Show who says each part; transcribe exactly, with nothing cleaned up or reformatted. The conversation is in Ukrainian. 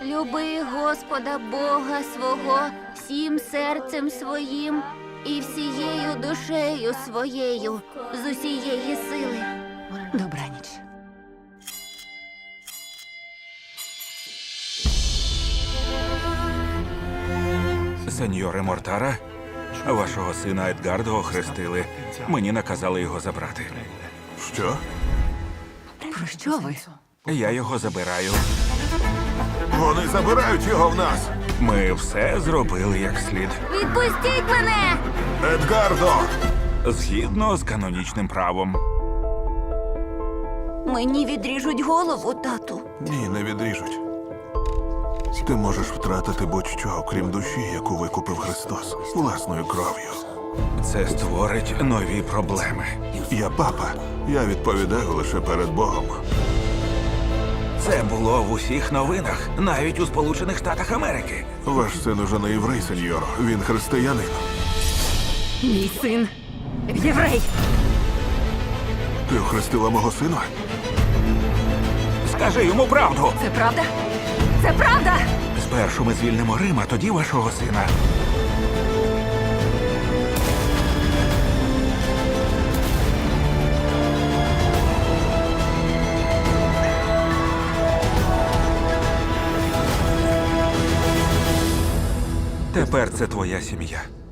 Speaker 1: Люби Господа Бога свого всім серцем своїм і всією душею своєю з усієї сили.
Speaker 2: Добраніч.
Speaker 3: Сеньоре Мортара, вашого сина Едгардо охрестили. Мені наказали його забрати.
Speaker 4: Що?
Speaker 2: Про що ви?
Speaker 3: Я його забираю.
Speaker 4: Вони забирають його в нас!
Speaker 3: Ми все зробили як слід.
Speaker 1: Відпустіть мене!
Speaker 4: Едгардо!
Speaker 3: Згідно з канонічним правом.
Speaker 1: Мені відріжуть голову, тату.
Speaker 4: Ні, не відріжуть. Ти можеш втратити будь-що, окрім душі, яку викупив Христос власною кров'ю.
Speaker 3: Це створить нові проблеми.
Speaker 4: Я папа. Я відповідаю лише перед Богом.
Speaker 3: Це було в усіх новинах, навіть у Сполучених Штатах Америки.
Speaker 4: Ваш син уже не єврей, сеньоро. Він християнин.
Speaker 2: Мій син єврей.
Speaker 4: Ти охрестила мого сина?
Speaker 3: Скажи йому правду.
Speaker 2: Це правда? Це правда!
Speaker 3: Спершу ми звільнимо Рим, а тоді вашого сина. Тепер це твоя сім'я.